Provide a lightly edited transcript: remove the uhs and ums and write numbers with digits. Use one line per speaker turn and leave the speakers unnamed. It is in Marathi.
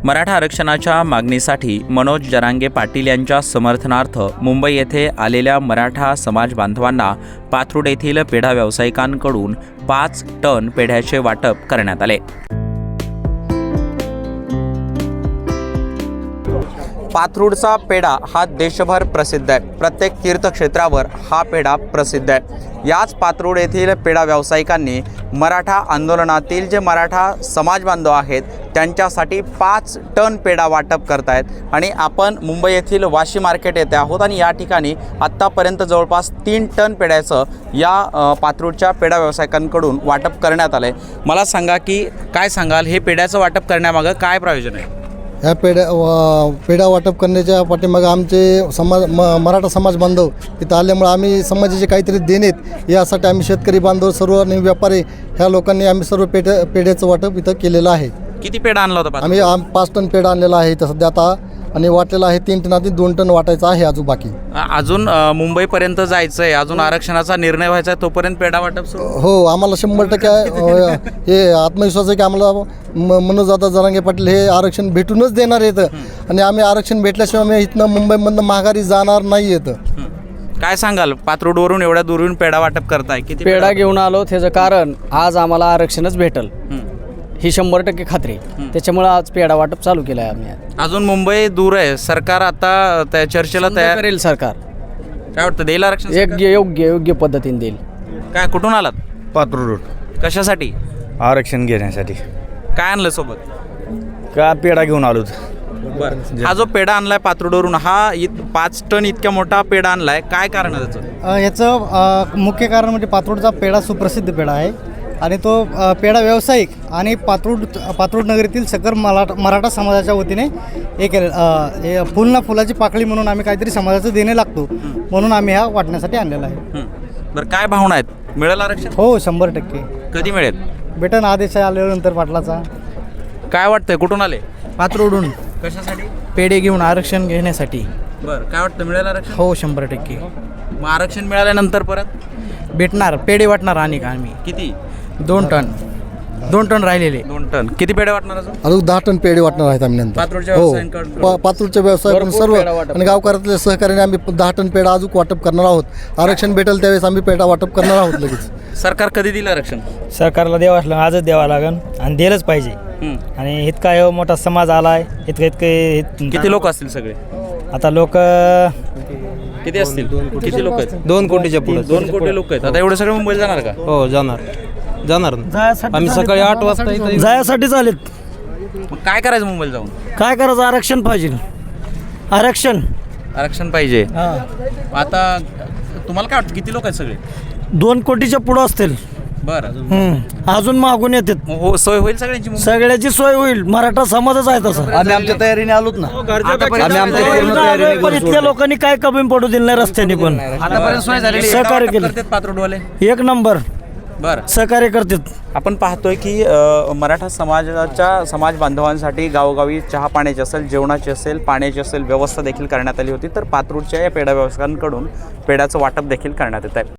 मराठा आरक्षणाच्या मागणीसाठी मनोज जरांगे पाटील यांच्या समर्थनार्थ मुंबई येथे आलेल्या मराठा समाज बांधवांना पाथरुड येथील पेढा व्यावसायिकांकडून 5 टन पेढ्याचे वाटप करण्यात आले। पाथरुडचा पेढा हा देशभर प्रसिद्ध आहे। प्रत्येक तीर्थक्षेत्रावर हा पेढा प्रसिद्ध आहे। याच पाथरुड येथील पेढा व्यावसायिकांनी मराठा आंदोलनातील जे मराठा समाज बांधव आहेत त्यांच्यासाठी 5 टन पेढा वाटप करतायत आणि आपण मुंबई येथील वाशी मार्केट येथे आहोत आणि या ठिकाणी आत्तापर्यंत जवळपास 3 टन पेढ्याचं या पाथरुडच्या पेढा व्यावसायिकांकडून वाटप करण्यात आलं आहे। मला सांगा की काय सांगाल, हे पेढ्याचं वाटप करण्यामागं काय प्रयोजन आहे?
ह्या पेढा वाटप करण्याच्या पाठीमागे आमचे मराठा समाज बांधव इथं आल्यामुळे आम्ही समाजाचे काहीतरी देणेत यासाठी आम्ही शेतकरी बांधव सर्व आणि व्यापारी ह्या लोकांनी आम्ही सर्व पेढ्याचं वाटप इथं केलेलं आहे।
किती पेढा आणला होता?
आम्ही 5 टन पेढा आणलेला आहे इथं सध्या आता आणि वाटलेला आहे 3 टनातील 2 टन वाटायचं आहे अजून बाकी।
अजून मुंबईपर्यंत जायचं आहे, अजून आरक्षणाचा निर्णय व्हायचा आहे, तोपर्यंत पेढा वाटप सुरू?
हो, आम्हाला 100% हे आत्मविश्वास आहे की आम्हाला मनोज जरांगे पाटील हे आरक्षण भेटूनच देणार येतं आणि आम्ही आरक्षण भेटल्याशिवाय आम्ही इथनं मुंबईमधनं माघारी जाणार नाही येतं।
काय सांगाल, पाथरुडवरून एवढ्या दूरून पेढा वाटप करताय? किती
पेढा घेऊन आलो त्याचं कारण आज आम्हाला आरक्षणच भेटल ही 100% खात्री, त्याच्यामुळे आज पेढा वाटप चालू केलं आहे आम्ही।
अजून मुंबई दूर आहे, सरकार आता त्या चर्चेला तयार
करेल। सरकार
काय वाटतं, देईल आरक्षण?
योग्य पद्धतीने देईल।
काय, कुठून आलात?
पाथरुड
कशासाठी?
आरक्षण घेण्यासाठी।
काय आणलं सोबत?
का पेढा घेऊन आलो।
बरं, हा जो पेढा आणलाय पाथरुडवरून, हा 5 टन इतक्या मोठा पेढा आणलाय, काय कारण आहे त्याचं?
याचं मुख्य कारण म्हणजे पाथरुडचा पेढा सुप्रसिद्ध पेढा आहे आणि तो पेढा व्यावसायिक आणि पाथरुड नगरीतील सकल मराठा समाजाच्या वतीने हे केलं फुलाची पाकळी म्हणून आम्ही काहीतरी समाजाचं देणे लागतो म्हणून आम्ही हा वाटण्यासाठी आणलेला आहे।
बरं, काय भावना आहेत? मिळेल आरक्षण?
हो, 100%।
कधी मिळेल?
भेटन आदेश आल्यानंतर पाटलाचा।
काय वाटतंय, कुठून आले?
पाथरुडून।
कशासाठी?
पेढे घेऊन आरक्षण घेण्यासाठी।
बरं, काय वाटतं, मिळेल आरक्षण?
हो, 100%।
मग आरक्षण मिळाल्यानंतर परत
भेटणार, पेढे वाटणार आणि आम्ही
किती?
2 टन राहिलेले।
2 टन किती पेढे वाटणार
अजून 10 टन पेढे वाटणार आहेत आम्ही नंतर। हो, पाथरुडच्या व्यवसाय सर्व आणि गावकऱ्यातल्या सहकार्याने आम्ही 10 टन पेढा अजून वाटप करणार आहोत। आरक्षण भेटेल त्यावेळेस आम्ही पेढा वाटप करणार आहोत लगेच।
सरकार कधी दिलं आरक्षण?
सरकारला द्यावं लागेल, आजच द्यावं लागेल आणि दिलंच पाहिजे। आणि इतका मोठा समाज आला आहे, इतके
किती लोक असतील सगळे?
आता लोक
किती असतील? किती लोक आहेत?
2 कोटीच्या पुढे।
2 कोटी लोक आहेत। आता एवढे सगळे मुंबईला जाणार का?
हो, जाणार आम्ही सकाळी 8 वाजता इथं
जायसाठी चालेत।
मग काय करायचं मुंबईला जाऊन?
काय करायचं? आरक्षण पाहिजे,
आरक्षण पाहिजे। आता तुम्हाला काय वाटतं, किती लोक आहेत सगळे?
2 कोटीच्या पुढं असतील।
बरं,
अजून मागून येतात।
मग हो, सोय होईल सगळ्यांची?
सगळ्याची सोय होईल, मराठा समाजच आहे तसं।
आम्ही आमच्या तयारीने आलोत ना।
पण इतक्या लोकांनी काय कमी पडू दिलं नाही रस्त्याने, पण
आतापर्यंत सोय झालेली
सहकार्य केलं
पाथरुडवाले
1 नंबर।
बरं,
सहकार्य करतात।
आपण पाहतोय की मराठा समाजाच्या समाज बांधवांसाठी गावोगावी चहा पाण्याची असेल, जेवणाची असेल, पाण्याची असेल व्यवस्था देखील करण्यात आली होती। तर पाथरुडच्या या पेढा व्यावसायिकांकडून पेढ्याचं वाटप देखील करण्यात येत आहे।